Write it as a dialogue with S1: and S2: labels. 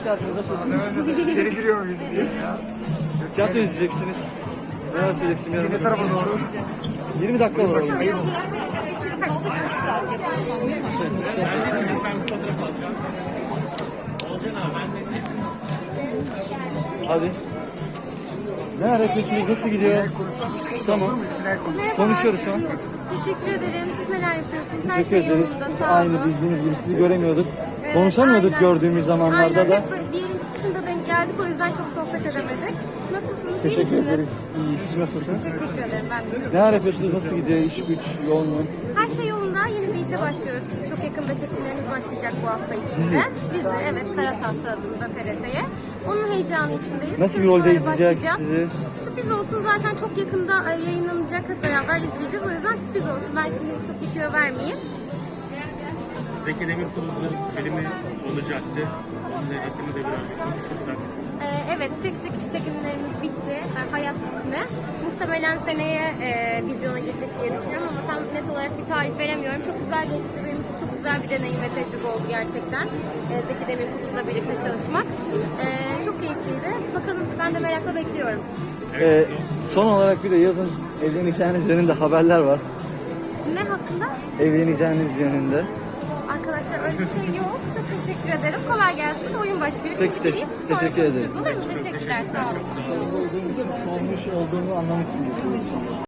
S1: hoş geldiniz. Nasılsınız?
S2: İçeri giriyor muyuz diye ya.
S1: Tiyatro izleyeceksiniz. Neler söyleyeceksin yarın?
S2: Ne tarafa doğru?
S1: 20 dakika olur. Hadi. Ne yapıyorsunuz? Nasıl gidiyor? Tamam. Konuşuyoruz şu an.
S3: Teşekkür ederim. Siz neler yapıyorsunuz? Her
S1: Teşekkür
S3: şey
S1: ederiz.
S3: yolunda. Sağ olun.
S1: Aynı bildiğiniz gibi sizi göremiyorduk.
S3: Evet,
S1: Konuşamıyorduk
S3: aynen.
S1: gördüğümüz zamanlarda
S3: Aynen.
S1: da.
S3: Hep böyle bir yerin çıkışında denk geldik. O yüzden çok sohbet edemedik. Nasılsınız? İyi
S1: Teşekkür
S3: misiniz?
S1: ederiz. İyi. Siz nasılsınız?
S3: Teşekkür ederim. Ben de çok
S1: Neler yapıyorsunuz? Nasıl gidiyor? İş güç, yoğun mu?
S3: Her şey yolunda. Yeni bir işe başlıyoruz. Çok yakında çekimlerimiz başlayacak bu hafta içinde. Dizi, evet. Kara Tahta adında TRT'ye. Onun heyecanı içindeyiz.
S1: Nasıl bir rolde
S3: Çalışmalara
S1: izleyeceğiz
S3: başlayacağız.
S1: sizi?
S3: Sürpriz olsun, zaten çok yakında yayınlanacak. Hep beraber izleyeceğiz. O yüzden sürpriz olsun. Ben şimdi çok bir tüyo vermeyeyim.
S4: Zeki Demirkubuz'un filmi olacaktı. Onun hakkında da birazcık konuşursak.
S3: Evet, çektik. Çekimlerimiz bitti. Hayat ismi. Muhtemelen seneye vizyona girecek diye düşünüyorum ama tam net olarak bir tarih veremiyorum. Çok güzel geçti. Benim için çok güzel bir deneyim ve tecrübe oldu gerçekten. Zeki Demirkubuz'la birlikte çalışmak. Çok keyifliydi. Bakalım, ben de merakla bekliyorum.
S1: Son olarak bir de yazın evleneceğiniz yönünde haberler var.
S3: Ne hakkında?
S1: Evleneceğiniz yönünde.
S3: Arkadaşlar öyle bir şey yok. Çok teşekkür ederim. Kolay gelsin. Oyun başlıyor.
S1: Peki,
S3: Şimdi gireyim. Sonra
S1: teşekkür
S3: konuşuruz.
S1: ederim.
S3: Olur mu? Teşekkürler. Sağ olun.
S1: Sormuş olduğumu anlamışsınız.